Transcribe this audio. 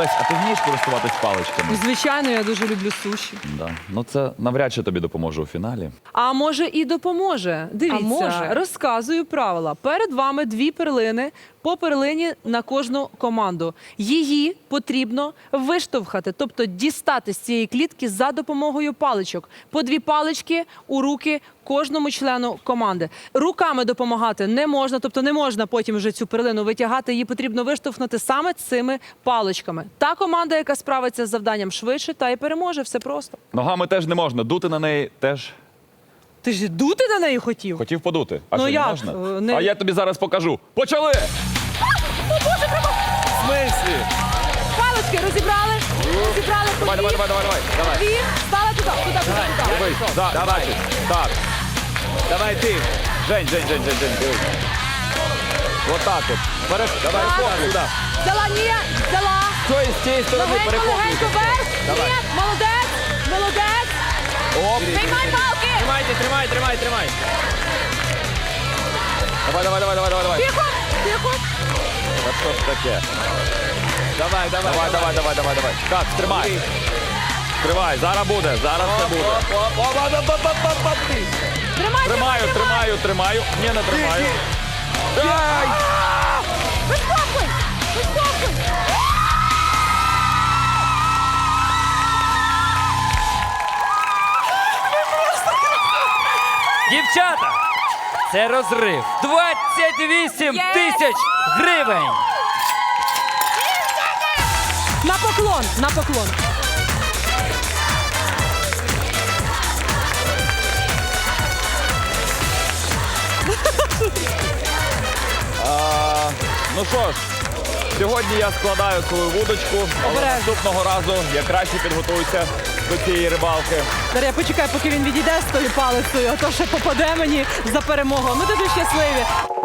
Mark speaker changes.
Speaker 1: Лесь, а ти вмієш користуватись паличками?
Speaker 2: Звичайно, я дуже люблю суші.
Speaker 1: Да. Ну це навряд чи тобі допоможе у фіналі.
Speaker 2: А може і допоможе. Дивіться,
Speaker 3: А може?
Speaker 2: розказую правила. Перед вами 2 перлини, по перлині на кожну команду. Її потрібно виштовхати, тобто дістати з цієї клітки за допомогою паличок. По 2 палички у руки кожному члену команди. Руками допомагати не можна, тобто не можна потім вже цю перлину витягати, її потрібно виштовхнути саме цими паличками. Та команда, яка справиться з завданням швидше, та й переможе, все просто.
Speaker 1: Ногами теж не можна, дути на неї теж.
Speaker 2: Ти ж дути на неї хотів?
Speaker 1: Хотів подути. А
Speaker 2: Ну
Speaker 1: що,
Speaker 2: як?
Speaker 1: не можна?
Speaker 2: Не-
Speaker 1: А я тобі зараз покажу. Почали! В смислі?
Speaker 2: Палички розібрали, розібрали по
Speaker 1: Давай,
Speaker 2: дві.
Speaker 1: давай, давай, давай, давай.
Speaker 2: Дві, стали туди, туди.
Speaker 1: Дивись, давай. Так. Давай ти. Жень. Дивись. Вот так от. Давай,
Speaker 2: Так.
Speaker 1: сюди.
Speaker 2: Взяла, ні, взяла.
Speaker 1: З цієї сторони
Speaker 2: Легенько, легенько вверх.
Speaker 1: Давай.
Speaker 2: Ні, молодець, молодець.
Speaker 1: Оп.
Speaker 2: Приймай палки.
Speaker 4: Тримай.
Speaker 1: Давай.
Speaker 2: Тихо, тихо.
Speaker 1: Та що ж таке? Давай. Так, тримай. Тримай, зараз буде, зараз це буде. Тримаю. Ні, не тримаю. Дай!
Speaker 2: Вискокуй, вискокуй.
Speaker 4: Дівчата, це розрив. 28 тисяч гривень.
Speaker 2: На поклон, на поклон.
Speaker 1: Ну що ж, сьогодні я складаю свою вудочку, але
Speaker 2: Обережно.
Speaker 1: наступного разу я краще підготуюся до цієї рибалки.
Speaker 2: Дар'я, почекай, поки він відійде з тою палицею, а то ще попаде мені за перемогу. Ми дуже щасливі.